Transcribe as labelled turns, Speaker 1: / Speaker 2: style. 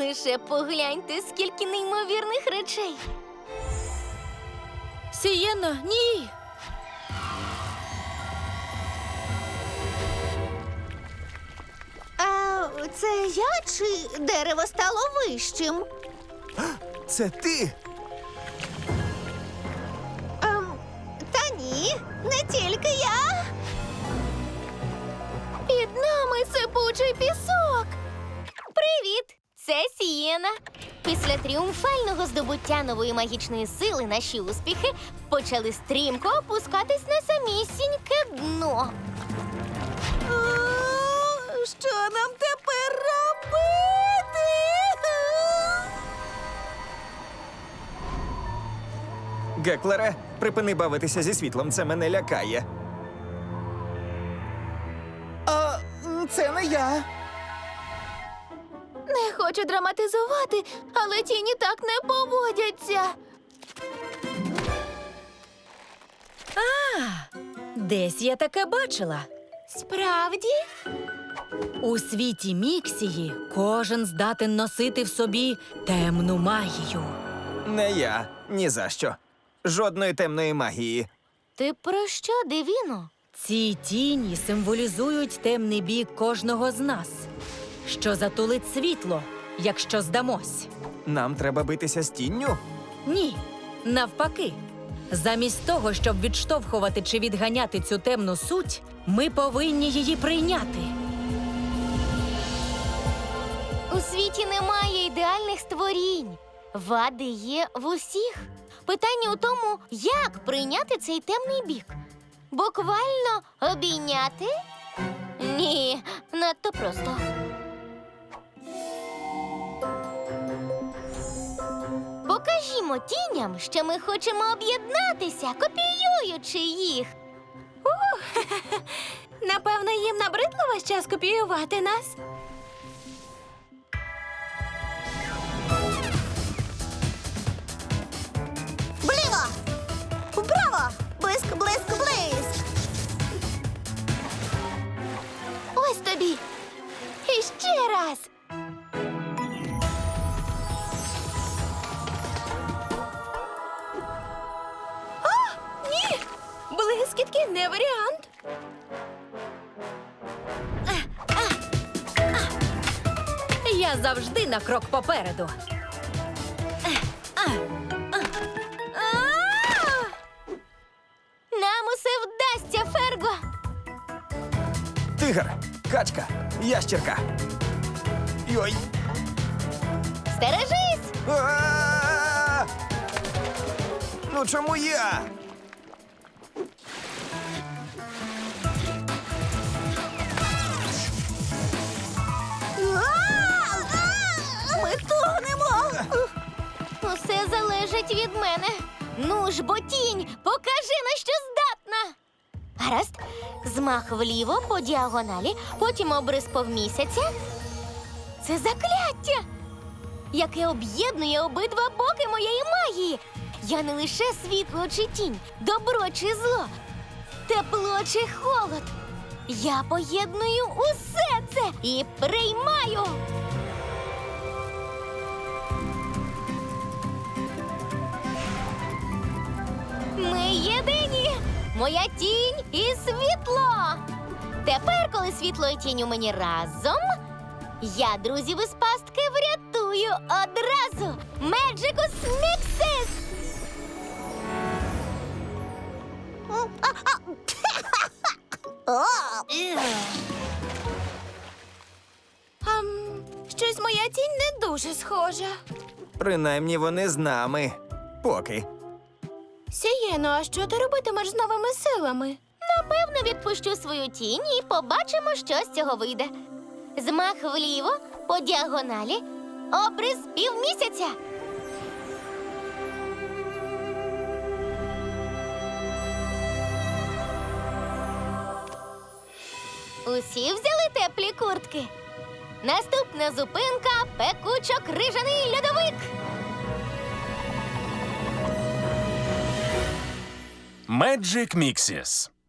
Speaker 1: Лише погляньте, скільки неймовірних речей.
Speaker 2: Сієно, ні!
Speaker 3: А це я чи дерево стало вищим?
Speaker 4: Це ти?
Speaker 3: Та ні, не тільки я.
Speaker 1: Під нами сипучий пісок. Привіт! Це Сієна. Після тріумфального здобуття нової магічної сили наші успіхи почали стрімко опускатись на самісіньке дно.
Speaker 3: Що нам тепер робити?
Speaker 4: Геклере, припини бавитися зі світлом, це мене лякає. А це не я.
Speaker 1: Не хочу драматизувати, але тіні так не поводяться.
Speaker 2: Десь я таке бачила.
Speaker 1: Справді?
Speaker 2: У світі Міксії кожен здатен носити в собі темну магію.
Speaker 4: Не я. Ні за що. Жодної темної магії.
Speaker 1: Ти про що, Девіно?
Speaker 2: Ці тіні символізують темний бік кожного з нас, що затулить світло, якщо здамось.
Speaker 4: Нам треба битися з тінню?
Speaker 2: Ні, навпаки. Замість того, щоб відштовхувати чи відганяти цю темну суть, ми повинні її прийняти.
Speaker 1: У світі немає ідеальних створінь. Вади є в усіх. Питання у тому, як прийняти цей темний бік. Буквально обійняти? Ні, надто просто. Покажімо тіням, що ми хочемо об'єднатися, копіюючи їх. Напевно, їм набридло весь час копіювати нас.
Speaker 3: Вліво! Вправо! Блиск, блиск, блиск!
Speaker 1: Ось тобі. І ще раз. Ні! Блискітки не варіант.
Speaker 2: Я завжди на крок попереду.
Speaker 1: Нам усе вдасться, Ферго.
Speaker 4: Тигр, качка, ящірка. Йой.
Speaker 1: Стережись!
Speaker 4: А-а-а! Ну чому я?
Speaker 3: Ми тухнемо!
Speaker 1: Усе залежить від мене. Ну ж, бо тінь, покажи, на що здатна. Гаразд. Змах вліво по діагоналі, потім обрис повмісяця. Це закляття, яке об'єднує обидва боки моєї магії. Я не лише світло чи тінь, добро чи зло, тепло чи холод. Я поєдную усе це і приймаю. Ми єдині! Моя тінь і світло! Тепер, коли світло і тінь у мені разом, я друзів із пастки врятую одразу! Меджикус Міксис! Щось моя тінь не дуже схожа.
Speaker 4: Принаймні вони з нами. Поки.
Speaker 1: Сієно, а що ти робитимеш з новими силами? Напевно, відпущу свою тінь і побачимо, що з цього вийде. Змах вліво, по діагоналі, обрис півмісяця. Усі взяли теплі куртки. Наступна зупинка – пекучо-крижаний льодовик.
Speaker 5: Magic Mixes.